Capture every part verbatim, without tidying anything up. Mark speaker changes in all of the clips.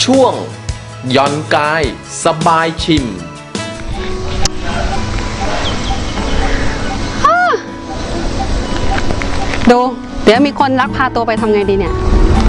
Speaker 1: ช่วงย่อนกายสบายชิม
Speaker 2: ดูเดี๋ยวมีคนลักพาตัวไปทำไงดีเนี่ย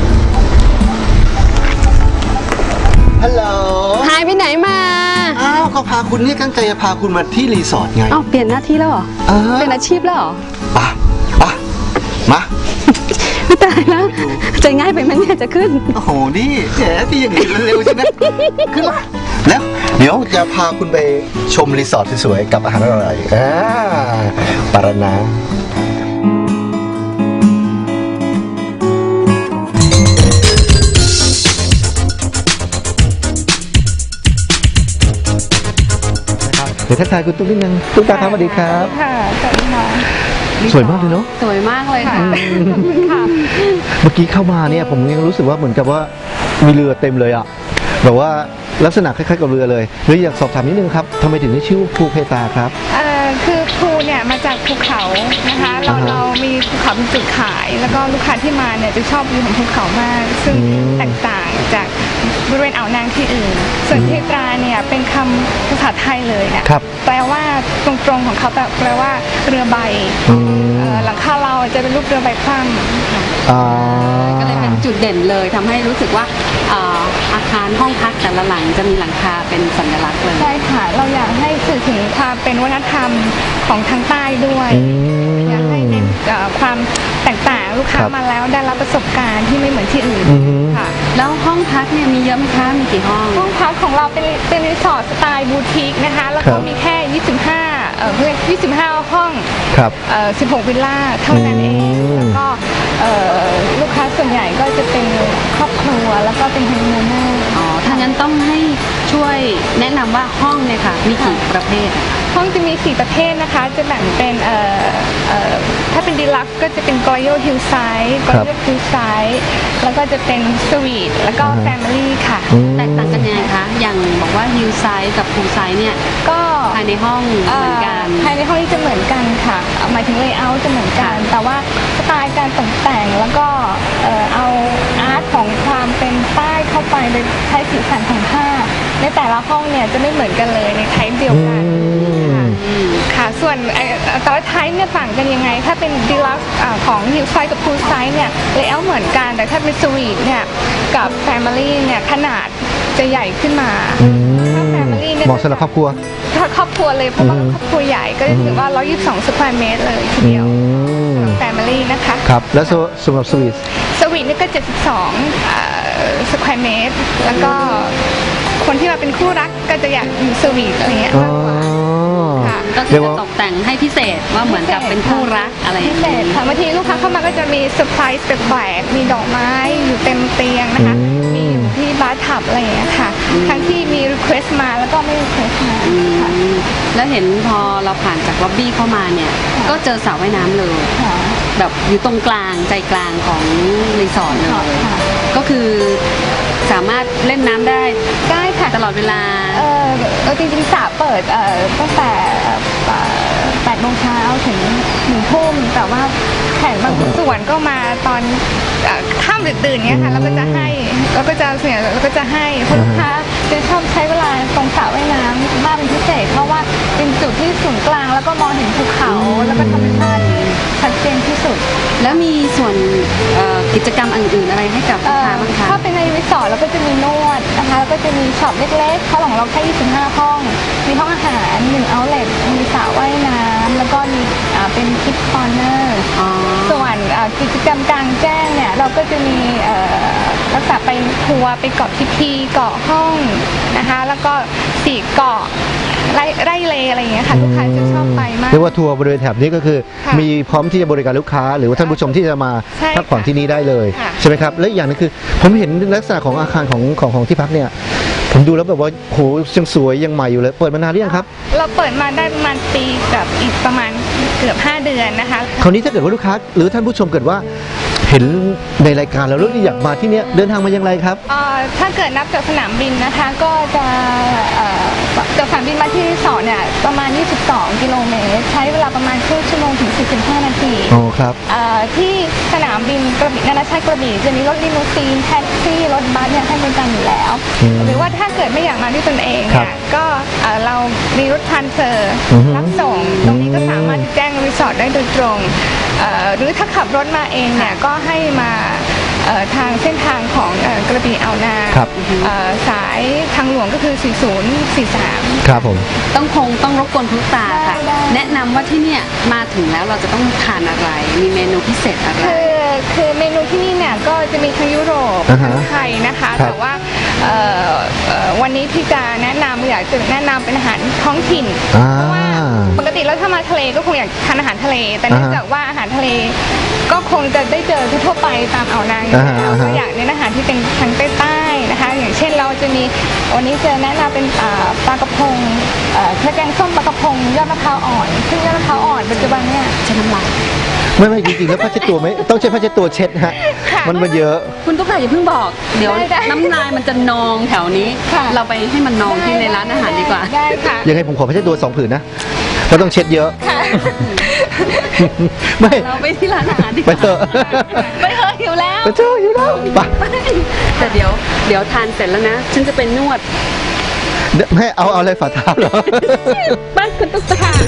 Speaker 3: ฮัลโหล
Speaker 2: หายไปไหนมา
Speaker 3: อ้าวเขาพาคุณนี่ตั้งใจจะพาคุณมาที่รีสอร์ทไง
Speaker 2: อ้าวเปลี่ยนหน้าที่แล้วเหรอเปลี่ยนอาชีพแล้วเหรอ
Speaker 3: ปะปะมา
Speaker 2: ไม่ตายแล้วใจง่ายไปมันเนี่ยจะขึ้น
Speaker 3: โอ้โหนี่แฉที่อย่างนี้เร็วใช่ไหมขึ้นมาแล้วเดี๋ยวจะพาคุณไปชมรีสอร์ทสวยๆกับอาหารอร่อยๆอ่าปารานาเดี๋ยวทักทายคุณตุ๊กนิดนึงตุ๊กตาครับสวัสดีครับ
Speaker 4: ค่ะสวัสดีค่ะ
Speaker 3: สวยมากเลยเนาะ
Speaker 2: สวยมากเลยค่ะ
Speaker 3: เมื่อกี้เข้ามาเนี่ยผมยังรู้สึกว่าเหมือนกับว่ามีเรือเต็มเลยอ่ะแบบว่าลักษณะคล้ายๆกับเรือเลยเลยอยากสอบถามนิดนึงครับทำไมถึงได้ชื่อภูเพตาครับ
Speaker 4: เอ่อคือภูเนี่ยมาจากภูเขานะคะเราเรามีภูเขาเป็นจุดขายแล้วก็ลูกค้าที่มาเนี่ยจะชอบวิวของภูเขามากซึ่งแตกต่างจากบริเวณอ่าวนางที่อื่นส่วนเพตราเนี่ยเป็นคำภาษาไทยเลยเนี่ยแปลว่าตรงๆของเขาแปลว่าเรือใบหลังคาเราจะเป็นรูปเรือใบคว่ำ
Speaker 2: ก็เลยเป็นจุดเด่นเลยทำให้รู้สึกว่าอาคารห้องพักแต่ละหลังจะมีหลังคาเป็นสัญลักษณ์เลย
Speaker 4: ใช่ค่ะเราอยากให้สื่อถึงความเป็นวัฒนธรรมของทางใต้ด้วยอยากให้เน้นความแตกต่างลูกค้ามาแล้วได้รับประสบการณ์ที่ไม่เหมือนที่อื่นค่ะ
Speaker 2: แล้วห้องพักเนี่ยมีเยอะไหมคะมีกี่ห้อง
Speaker 4: ห้องพักของเราเป็นเป็นรีสอร์ทสไตล์บูติกนะคะแล้วก็มีแค่ยี่สิบห้าเอ่อเพื่อยี่สิบห้าห้อง
Speaker 3: ครับ
Speaker 4: เอ่อสิบหกวิลล่าเท่านั้นเองแล้วก็เอ่อลูกค้าส่วนใหญ่ก็จะเป็นครอบครัวแล้วก็เป็นฮันนีมูนเนอร์
Speaker 2: อ๋อถ้างั้นต้องให้ช่วยแนะนำว่าห้องเนี่ยค่ะมีกี่ประเภท
Speaker 4: ห้องจะมีสี่ประเภทนะคะจะแบ่งเป็นเอ่อเอ่อถ้าเป็นดีลักซ์ก็จะเป็นกอยโยฮิลไซด์กอยโยฮิลไซด์แล้วก็จะเป็นสวีทแล้วก็แฟมิลี่ค่ะ
Speaker 2: แตกต่างกันยังไงคะอย่างบอกว่าฮิลไซด์กับพูลไซด์เนี่ย
Speaker 4: ก็
Speaker 2: ภายในห้องเหมือนกัน
Speaker 4: ภายในห้องนี้จะเหมือนกันค่ะหมายถึงเลเยอร์จะเหมือนกันแต่ว่าสไตล์การตกแต่งแล้วก็เอาอาร์ตของความเป็นใต้เข้าไปโดยใช้สีสันของผ้าในแต่ละห้องเนี่ยจะไม่เหมือนกันเลยในไทป์เดียวกันค่ะส่วนแต่ละไทป์เนี่ยต่างกันยังไงถ้าเป็นดีลักซ์ของฮิลไซด์กับพูลไซด์เนี่ยเลเยอร์เหมือนกันแต่ถ้าเป็นสวีทเนี่ยกับแฟมิลี่เนี่ยขนาดจะใหญ่ขึ้นมาถ้าแฟมิลี่เนี่ย
Speaker 3: เหมาะสำหรับครอบครัว
Speaker 4: ถ้าครอบครัวเลยเพราะว่าครอบครัวใหญ่ก็จะถือว่าหนึ่งร้อยยี่สิบสองสแควร์เมตรเลยทีเดียวแฟมิลี่นะคะ
Speaker 3: ครับแล้วสำหรับสวีท
Speaker 4: สวีทนี่ก็เจ็ดสิบสองสแควร์เมตรแล้วก็คนที่มาเป็นคู่รักก็จะอยากอยู่สวีทอะไรเงี้ยมากกว่า
Speaker 2: ก็คือจะตกแต่งให้พิเศษว่าเหมือนกับเป็นคู่รักอะไร
Speaker 4: พิเศษค่ะบางทีลูกค้าเข้ามาก็จะมีเซอร์ไพรส์แปลกๆมีดอกไม้อยู่เต็มเตียงนะคะมีอยู่ที่บาร์ทับอะไรอย่างเงี้ยค่ะทั้งที่มีรีเควสต์มาแล้วก็ไม่รีเควสต์มา
Speaker 2: แล้วเห็นพอเราผ่านจากล็อบบี้เข้ามาเนี่ยก็เจอสระว่ายน้ำเลยแบบอยู่ตรงกลางใจกลางของรีสอร์ทเลยก็คือสามารถเล่นน้ำได้
Speaker 4: ได้ค่ะ
Speaker 2: ตลอดเวลา
Speaker 4: เออจริงๆสระเปิดตั้งแต่แปดโมงเช้าถึงหนึ่งทุ่มแต่ว่าแขกบางส่วนก็มาตอนค่ำตื่นๆเงี้ยค่ะแล้วก็จะให้แล้วก็จะเสียแล้วก็จะให้คนลูกค้าจะชอบใช้เวลาตรงสระว่ายน้ำมากเป็นพิเศษเพราะว่าเป็นจุดที่ศูนย์กลางแล้วก็มองเห็นภูเขาแล้วก็ธรรมชาติที่ชัดเจนที่สุด
Speaker 2: แล้วมีส่วนกิจกรรมอื่นๆอะไรให้กับลูกค้าบ้างคะ
Speaker 4: ถ้าเป็นในรีสอร์ทเราก็จะมีนวดนะคะแล้วก็จะมีช็อปเล็กๆเพราะของเราแค่ยี่สิบห้าห้องมีห้องอาหารหนึ่งเอาท์เล็ตมีสระว่ายน้ำแล้วก็มีเป็นคิดคอร์เนอร์ส่วนกิจกรรมกลางแจ้งเนี่ยเราก็จะมีลักษณะไปทัวร์ไปเกาะพีพีเกาะห้องนะคะแล้วก็สี่เกาะไร่ไร่เลอะไรอย่างเงี้ยค่ะลูกค้าจะชอบไปมาก
Speaker 3: เรียกว่าทัวร์บริเวณแถบนี้ก็คือมีพร้อมที่จะบริการลูกค้าหรือว่าท่านผู้ชมที่จะมาพักผ่อนที่นี่ได้เลยใช่ไหมครับและอีกอย่างนึงคือผมเห็นลักษณะของอาคารของของของที่พักเนี่ยผมดูแล้วแบบว่าโหยังสวยยังใหม่อยู่เลยเปิดมานานหรือยังครับ
Speaker 4: เราเปิดมาได้ประมาณปีกับอีกประมาณเกือบห้าเดือนนะคะ
Speaker 3: คราวนี้ถ้าเกิดว่าลูกค้าหรือท่านผู้ชมเกิดว่าเห็นในรายการแล้วแล้วอยากมาที่เนี้ยเดินทางมาอย่างไรครับ
Speaker 4: เอ่อถ้าเกิดนับจากสนามบินนะคะก็จะเอ่อจากสนามบินมาที่รีสอร์ทเนี่ยประมาณยี่สิบสองกิโลเมตรใช้เวลาประมาณครึ่งชั่วโมงถึงสี่สิบห้านาที
Speaker 3: อ๋อครับ
Speaker 4: เอ่อที่สนามบินกระบี่นานาชาติกระบี่จะมีรถลิมูซีนแท็กซี่รถบัสเนี่ยให้บริการอยู่แล้ว
Speaker 3: อืม
Speaker 4: หรือว่าถ้าเกิดไม่อยากมาด้วยตนเอง
Speaker 3: ครับ
Speaker 4: เนี่ยก็เอ่อเรามีรถทรานสเฟอร์
Speaker 3: อือฮึ
Speaker 4: รับส่งตรงนี้ก็สามารถแจ้งรีสอร์ทได้โดยตรงเอ่อหรือถ้าขับรถมาเองเนี่ยก็ให้มาเอ่อทางเส้นทางของเอ่อกระบี่อ่าวนาง
Speaker 3: ครับ
Speaker 4: เอ่อสายทางหลวงก็คือ สี่ศูนย์สี่สาม
Speaker 3: ครับผม
Speaker 2: ต้องคงต้องรบกวนคุณตาค่ะ
Speaker 4: ได้ได้
Speaker 2: แนะนำว่าที่เนี่ยมาถึงแล้วเราจะต้องทานอะไร มีเมนูพิเศษอะไร
Speaker 4: คือคือเมนูที่นี่เนี่ยก็จะมีทั้งยุโรป
Speaker 3: อ่าฮะ
Speaker 4: ทั้งไทยนะคะ
Speaker 3: ครับ
Speaker 4: แต่ว่าเอ่อเอ่อวันนี้ที่จะแนะนำอยากจะแนะนำเป็นอาหารท้องถิ่น
Speaker 3: อ่า
Speaker 4: เพราะว่าปกติแล้วถ้ามาทะเลก็คงอยากทานอาหารทะเล แต่เนื่อง
Speaker 3: อ่าฮะ
Speaker 4: จากว่าอาหารทะเลก็คงจะได้เจอทั่วๆไปตามอ่าวนางอยู่
Speaker 3: อ่าฮะ
Speaker 4: แล้ว
Speaker 3: อ่าฮะ
Speaker 4: ก็อยากเน้นอาหารที่เป็นทางใต้ๆนะคะ อย่างเช่นเราจะมีวันนี้จะแนะนำเป็นอ่าปลากระพงเอ่อแกงส้มปลากระพงยอดมะพร้าวอ่อนซึ่งยอดมะพร้าวอ่อนปัจจุบันเนี่ย
Speaker 2: ใช้น้ำลาย
Speaker 3: ไม่ไม่จริงๆแล้วผ้าเช็ดตัวไม่ต้องใช้ผ้าเช็ดตัวเช็ดฮะ
Speaker 4: ค่ะ
Speaker 3: มันมันเยอะ
Speaker 2: คุณตุ๊กตาอย่าเพิ่งบอก เดี๋ยว
Speaker 4: ได้ได้
Speaker 2: น้ำลายมันจะนองแถวนี้
Speaker 4: ค่ะ
Speaker 2: เราไปให้มันนองที่ในร้านอาหารดีกว่า
Speaker 4: ได้ค่ะ
Speaker 3: ยังไงผมขอผ้าเช็ดตัวสองผืนนะเพราะต้องเช็ดเยอะ
Speaker 4: ค่ะ
Speaker 3: ไม่
Speaker 2: เราไปที่ร้านอาหารดีก
Speaker 3: ไป
Speaker 2: ว่า
Speaker 3: เถอะ
Speaker 2: ไปเถอะหิวแล้ว
Speaker 3: ไปเถอะอยู่แล้วไป
Speaker 2: แต่เดี๋ยวเดี๋ยวทานเสร็จแล้วนะ ฉันจะเป็นนวด
Speaker 3: แม่เอาเอาอะไรฝ่าเท้าเหรอ
Speaker 2: ไปคุณตุ๊กตา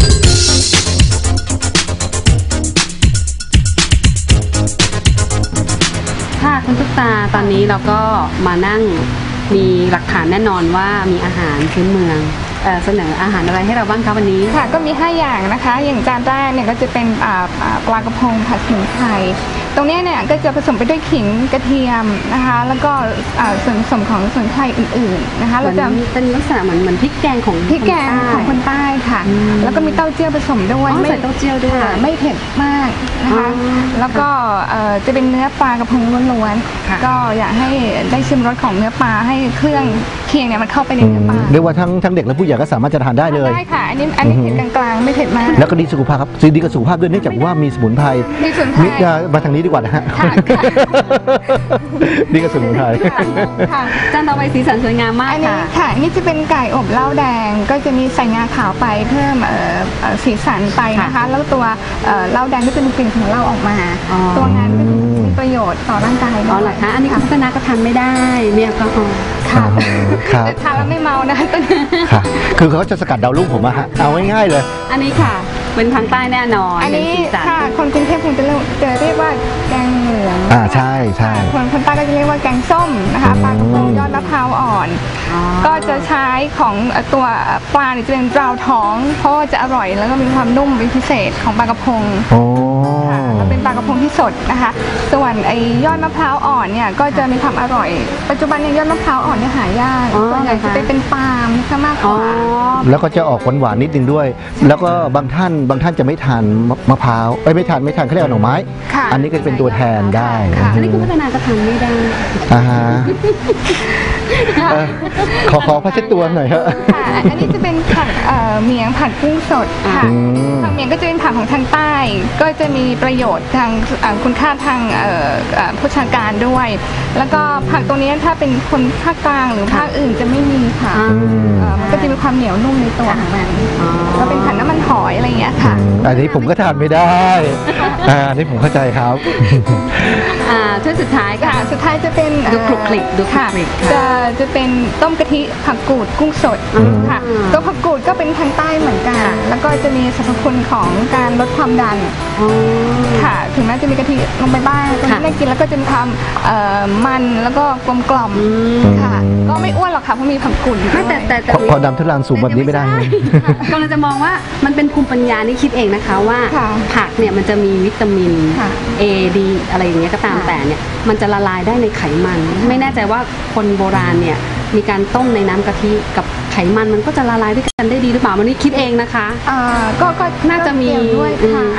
Speaker 2: ค่ะคุณตุ๊กตาตอนนี้เราก็มานั่งมีหลักฐานแน่นอนว่ามีอาหารพื้นเมืองเอ่อเสนออาหารอะไรให้เราบ้างคะวันนี้
Speaker 4: ค่ะก็มีห้าอย่างนะคะ อย่างจานแรกเนี่ยก็จะเป็นอ่าอ่าปลากระพงผัดสมุนไพรตรงเนี้ยเนี่ยก็จะผสมไปด้วยขิงกระเทียมนะคะ แล้วก็อ่าส่วนผสมของสมุนไพรอื่นๆนะคะ
Speaker 2: เรา
Speaker 4: เรา
Speaker 2: จะ
Speaker 4: จะ
Speaker 2: เป็นลักษณะเหมือนเหมือนพริกแกงของ
Speaker 4: พริกแกง
Speaker 2: คนใต้
Speaker 4: ของคนใต้ค่ะ
Speaker 2: อืม
Speaker 4: แล้วก็มีเต้าเจี้ยวผสมด้วย
Speaker 2: อ๋อ
Speaker 4: ไม่
Speaker 2: ใส่เต้าเจี้ยวด้วย
Speaker 4: ค่ะไม่เผ็ดมากนะคะ
Speaker 2: อ๋อ
Speaker 4: แล้วก็เอ่อจะเป็นเนื้อปลากระพงล้วน
Speaker 2: ค่ะ
Speaker 4: ๆก็อยากให้ได้ชิมรสของเนื้อปลาให้เครื่องเคียงเนี่ยมันเข้าไปใน
Speaker 3: อื
Speaker 4: เนื้อ
Speaker 3: ม
Speaker 4: ปลา
Speaker 3: เรียกว่าทั้งทั้งเด็กและผู้ใหญ่ก็สามารถจะทานได้เลย
Speaker 4: ได้ค่ะ อันนี้อันนี้
Speaker 3: อือฮึ
Speaker 4: เผ็ดกลางๆ ไม่เผ็ดมาก
Speaker 3: แล้วก็ดีสุขภาพครับซื้อดีกับสุขภาพด้วยเนื่องจากว่ามีสมุนไพร
Speaker 4: มีสมุนไพร
Speaker 3: มิอ่ามาทางนี้ดีกว่านะฮะ
Speaker 4: ค่ะค่ะ
Speaker 3: ดีกับสมุนไพร
Speaker 4: ค่ะ
Speaker 2: จานต่อไปสีสันสวยงามมาก
Speaker 4: อันนี้
Speaker 2: ค่ะ
Speaker 4: ค่ะอันนี่จะเป็นไก่อบเหล้าแดง ก็จะมีใส่งาขาวไปเพิ่มเอ่อเอ่อสีสันไปนะคะ
Speaker 2: ค่ะ
Speaker 4: แล้วตัวเอ่อเหล้าแดงก็จะมีกลิ่นของเหล้าออกมา
Speaker 2: อ๋อ
Speaker 4: ตัวงานก็จะมีประโยชน์ต่อร่างกาย
Speaker 2: อ๋อเหรอคะอันนี้คุณคณะก็ทานไม่ได้มีแอลกอฮอล์
Speaker 4: ค่ะ
Speaker 3: ครับ
Speaker 4: แต่ทานแล้วไม่เมานะคะตัวนี้
Speaker 3: ค่ะคือเขาจะสกัดดาวรุ่งผมอะฮะเอาง่ายๆเลย
Speaker 2: อันนี้ค่ะ เป็นทางใต้แน่นอน
Speaker 4: อันนี้
Speaker 2: เป็สีสัน
Speaker 4: ค่ะคนกรุงเทพคงจะเรียกจะเรียกว่าแกงเหลือง
Speaker 3: อ่าใช่ใช่
Speaker 4: คนคนใต้ก็จะเรียกว่าแกงส้มนะคะ
Speaker 3: อืม
Speaker 4: ปลากระพงยอดมะพร้าวอ่อน
Speaker 2: อ๋อ
Speaker 4: ก็จะใช้ของเอ่อตัวปลาเนี่ยจะเป็นปลาท้อง เพราะว่าจะอร่อยแล้วก็มีความนุ่มเป็นพิเศษของปลากระพง
Speaker 3: โอ้
Speaker 4: ค่ะแล้วเป็นปลากระพงที่สดนะคะ ส่วนไอ้ยอดมะพร้าวอ่อนเนี่ยก็จะมีความอร่อย ปัจจุบันเนี่ยยอดมะพร้าวอ่อนเนี่ยหายาก
Speaker 2: อ๋อ
Speaker 4: ส่วนใหญ่จะไปเป็นปาล์มซะมากก
Speaker 2: อ๋อ
Speaker 4: ว่า
Speaker 3: แล้วก็จะออกหวานๆนิดนึงด้วย แล้วก็บางท่านบางท่านจะไม่ทานมะมะพร้าวเอ้ยไม่ทานไม่ทานเขาเรียกว่าหน่อไม้
Speaker 4: ค่ะ
Speaker 3: อันนี้ก็จะเป็นตัวแทนได้
Speaker 4: ค่ะ
Speaker 2: อันนี้คุณพัฒนาก็ทานไม่ได้
Speaker 3: อ่าฮะเออขอขอผ้าเช็ดตัวหน่อยฮะ
Speaker 4: ค่ะอันนี้จะเป็นผักเอ่อเมียงผัดกุ้งสดค่ะ
Speaker 3: อืม
Speaker 4: ผักเมียงก็จะเป็นผักของทางใต้ ก็จะมีประโยชน์ทางเอ่อคุณค่าทางเอ่อเอ่อโภชนาการด้วย แล้วก็ผักตรงนี้ถ้าเป็นคนภาคกลางหรือภาคอื่นจะไม่มีค่ะ
Speaker 2: อ่า
Speaker 4: เอ่อมันก็จะมีความเหนียวนุ่มในตัวของมัน
Speaker 2: อ๋อ
Speaker 4: ก็เป็นผัดน้ำมันหอยอะไรอย่างเงี้ยค่ะ
Speaker 3: อันนี้ผมก็ทานไม่ได้อ่าอันนี้ผมเข้าใจครับ
Speaker 2: อ่าถ้วยสุดท้ายค่ะ
Speaker 4: ค่ะสุดท้ายจะเป็น
Speaker 2: ดูคลุกคลิกดูคลุก
Speaker 4: ค่ะ
Speaker 2: คลิกค่ะ
Speaker 4: จะจะเป็นต้มกะทิผักกูดกุ้งสด
Speaker 2: อืม
Speaker 4: ค่ะตัวผักกูดก็เป็นทางใต้เหมือนกัน
Speaker 2: ค่ะ
Speaker 4: แล้วก็จะมีสรรพคุณของการลดความดัน
Speaker 2: อ๋อ
Speaker 4: ค่ะ ถึงแม้จะมีกะทิลงไปบ้างตรง
Speaker 2: ค่ะ
Speaker 4: นี้ได้กินแล้วก็จะมีความเอ่อมันแล้วก็กลมกล่อม
Speaker 2: อืม
Speaker 4: ค่ะ ก็ไม่อ้วนหรอกค่ะเพราะมีผักกูดอยู่
Speaker 2: ไม่แต่
Speaker 4: ด้วย
Speaker 2: แต่แต่
Speaker 3: พอพอดำทุลังสูงแบบนี้ไม่ได้
Speaker 2: กำลังจะมองว่ามันเป็นภูมิปัญญานี่คิดเองนะคะว่า
Speaker 4: ค่ะ
Speaker 2: ผักเนี่ยมันจะมีวิตามิน
Speaker 4: ค่ะ
Speaker 2: A D อะไรอย่างเงี้ยก็ตาม
Speaker 4: ค่ะ
Speaker 2: แต่เนี่ยมันจะละลายได้ในไขมัน ไม่แน่ใจว่าคนโบราณเนี่ยมีการต้มในน้ำกะทิกับไขมันมันก็จะละลายด้วยกันได้ดีหรือเปล่าวันนี้คิดเองนะคะ
Speaker 4: อ่าก็ก็
Speaker 2: น่าจะมี
Speaker 4: เกี่ยวด้วย
Speaker 2: อื
Speaker 4: ค่ะ
Speaker 2: มอัน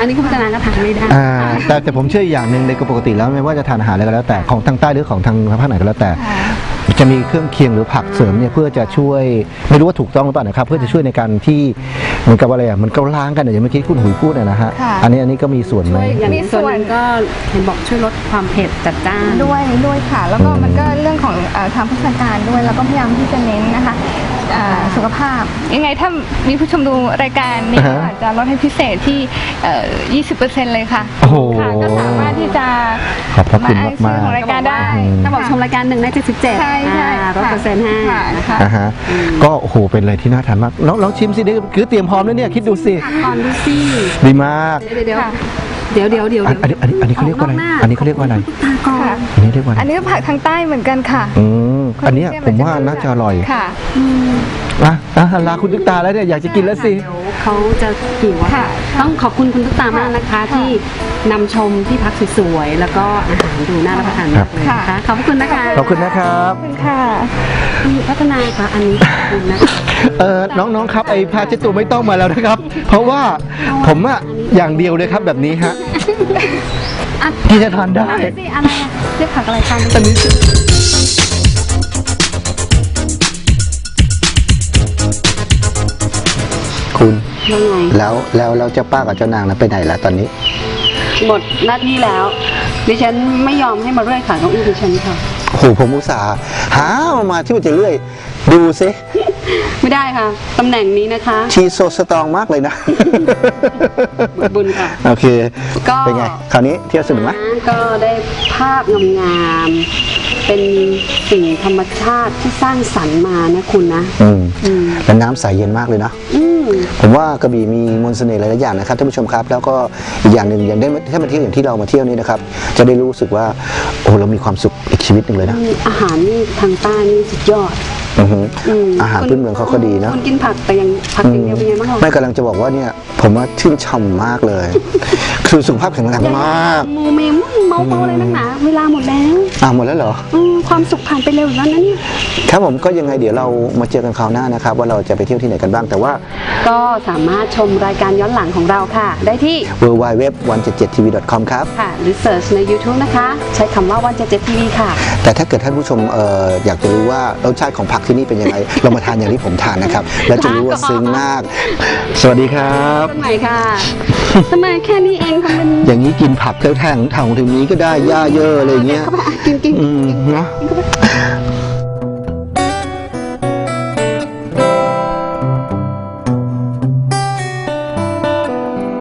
Speaker 2: นนี้คุณพัฒนาก็ทานไม่ได้
Speaker 3: อ่าแต่แต่ผมเชื่ออีกอย่างหนึ่งในปกติแล้วไม่ว่าจะทานอาหารอะไรก็แล้วแต่ของทางใต้หรือของทางภาคไหนก็แล้วแต่ จะมีเครื่องเคียงหรือผักเสริมเนี่ยเพื่อจะช่วยไม่รู้ว่าถูกต้องหรือเปล่านะครับเพื่อจะช่วยในการที่เหมือนกับอะไรอ่ะมันก็ล้างกันอย่างเมื่อกี้คุณหุยพูดนะฮะ
Speaker 4: ค่ะ
Speaker 3: อันนี้อันนี้ก็มีส่วนไหม
Speaker 2: อย่าง
Speaker 4: มี
Speaker 2: นี้
Speaker 4: ส่
Speaker 2: ส่
Speaker 4: ว
Speaker 2: วน นหนึ่งก็เห็นบอกช่วยลดความเผ็ดจัดจ้าน
Speaker 4: ด้วยด้วยค่ะ แล้วก็
Speaker 3: อืม
Speaker 4: มันก็เรื่องของเอ่อทางโภชนาการด้วยแล้วก็พยายามที่จะเน้นนะคะอ่าสุขภาพ ยังไงถ้ามีผู้ชมดูรายการนี้
Speaker 3: อ่าฮะ
Speaker 4: อาจจะลดให้พิเศษที่เอ่อยี่สิบเปอร์เซ็นต์เลยค่ะ
Speaker 3: โอ้โห
Speaker 4: ค่ะก็สามารถที่จะ
Speaker 3: ขอบพระคุณ
Speaker 4: ซื้อ
Speaker 3: มาก
Speaker 4: ของ
Speaker 3: ๆ
Speaker 4: รายการได้
Speaker 2: ถ้าบอกชมรายการหนึ่งได้เจ็ดสิบเจ็ด
Speaker 4: ใช่ใช่
Speaker 2: ลดเปอร์เซ็นต์ให้
Speaker 4: ค่ะ
Speaker 2: นะคะ
Speaker 3: อ่าฮะก็โอ้โหเป็นอะไรที่น่าทานมากน้องลองชิมสิเดี๋ยวคือเตรียมพร้อมแล้วเนี่ยคิดดูสิ
Speaker 2: ก่อนดูสิ
Speaker 3: ดีมาก
Speaker 2: เดี๋ยวเดี๋ยว
Speaker 4: ค่ะ
Speaker 2: เดี๋ยวเดี๋ยวเดี๋ยว
Speaker 3: อันอันนี้อันนี้อันนี้เขาเรียกว่าอะไร
Speaker 2: กห
Speaker 3: อันนี้เขาเรียกว่าอะไร
Speaker 2: ตาก่อน
Speaker 4: ค่ะ
Speaker 3: อันนี้เรียกว่าอะไร
Speaker 4: อันนี้ก็ผักทางใต้เหมือนกันค่ะ
Speaker 3: อืมอันเนี้ยผมว่าน่าจะอร่อย
Speaker 4: ค่ะ
Speaker 2: อืม
Speaker 3: อ่ะอ่ะลาคุณตุ๊กตาแล้วเนี่ยอยากจะกินแล้วสิ
Speaker 2: เดี๋ยวเขาจะหิวอะ
Speaker 4: ค่ะ
Speaker 2: ต้องขอบคุณคุณตุ๊กตามากนะคะ
Speaker 4: ค่ะ
Speaker 2: ที่นำชมที่พักสวยๆแล้วก็อาหารดูน่ารับประทานมากเลยนะคะ
Speaker 4: ค่ะ
Speaker 2: ขอบคุณนะคะ
Speaker 3: ขอบคุณนะครับ
Speaker 4: ขอบคุณค่ะ
Speaker 2: คุณพัฒนาค่ะอันนี้ขอบคุณนะคะ
Speaker 3: เออน้องๆครับไอ้ผ้าเช็ดตัวไม่ต้องมาแล้วนะครับ เพราะว่าผมอะอย่างเดียวเลยครับแบบนี้ฮะ
Speaker 2: อ่ะ
Speaker 3: ที่จะทานได้
Speaker 2: สิอะไรอะเรียกผักอะไรทาน
Speaker 3: อันนี้คุณ
Speaker 2: ยังไง
Speaker 3: แล้วแล้วแล้วเจ้าป้ากับเจ้านางนะไปไหนแล้วตอนนี้
Speaker 2: หมดหน้าที่แล้ว ดิฉันไม่ยอมให้มาเรื่อยขาเก้าอี้ดิฉันค่ะ
Speaker 3: โอ้โหผมอุตส่าห์หามาที่มันจะเรื่อย ดูซิ
Speaker 2: ไม่ได้ค่ะตำแหน่งนี้นะคะ
Speaker 3: ชีโซสตรองมากเลยนะ
Speaker 2: บุญค่ะ
Speaker 3: โอเค
Speaker 2: ก็
Speaker 3: เป็นไง คราวนี้เที่ยวสนุกไหม
Speaker 2: ก็ได้ภาพงามๆเป็นสิ่งธรรมชาติที่สร้างสรรค์มานะคุณนะ
Speaker 3: อืม
Speaker 2: อืม
Speaker 3: แล้วน้ำใสเย็นมากเลยนะ
Speaker 2: อืม
Speaker 3: ผมว่ากระบี่มีมนต์เสน่ห์หลายๆอย่างนะครับท่านผู้ชมครับ แล้วก็อีกอย่างหนึ่งอย่างได้มาถ้ามาเที่ยวอย่างที่เรามาเที่ยวนี่นะครับ จะได้รู้สึกว่าโอ้เรามีความสุขอีกชีวิตหนึ่งเลยนะ
Speaker 2: อาหารนี่ทางใต้นี่สุดยอด
Speaker 3: อือหือ
Speaker 2: ม
Speaker 3: อาหารพื้นเมืองเขาก็ดีนะ
Speaker 2: คนกินผักแต่ยังผักอย่างเดียวเป็นไงบ้าง
Speaker 3: ไม่กำลังจะบอกว่าเนี่ยผมว่าชื่นชมมากเลย คือสุขภาพแข็งแรงมาก
Speaker 2: โมเมมเมาเมาเลยนักหนาเวลาหมดแล้ว
Speaker 3: อ่ะหมดแล้วเหรอ
Speaker 2: อืมความสุขผ่านไปเร็วอยู่แล้วนะเนี่ย
Speaker 3: ครับผมก็ยังไงเดี๋ยวเรามาเจอกันคราวหน้านะครับว่าเราจะไปเที่ยวที่ไหนกันบ้างแต่ว่า
Speaker 2: ก็สามารถชมรายการย้อนหลังของเราค่ะ ได้ที่
Speaker 3: ดับเบิลยู ดับเบิลยู ดับเบิลยู ดอท วัน เจ็ดเจ็ด ที วี ดอท คอม ครับ
Speaker 2: ค่ะ หรือเสิร์ชใน YouTube นะคะ ใช้คำว่าวันเจ็ดเจ็ดทีวีค่ะ
Speaker 3: แต่ถ้าเกิดท่านผู้ชมเอ่ออยากจะรู้ว่ารสชาติของผักที่นี่เป็นยังไง เรามาทานอย่างที่ผมทานนะครับ แล้วจะรู้ว่าซึ้งมาก สวัสดีครับ
Speaker 2: สมัยค่ะ ทำไมแค่นี้เองทำเป็น
Speaker 3: อย่างนี้กินผักแท่งๆถังถึงนี้ก็ได้หญ้าเยอะอะไรเงี้ย
Speaker 2: เข้าไปอ่ะกินกิน
Speaker 3: อืมเนาะ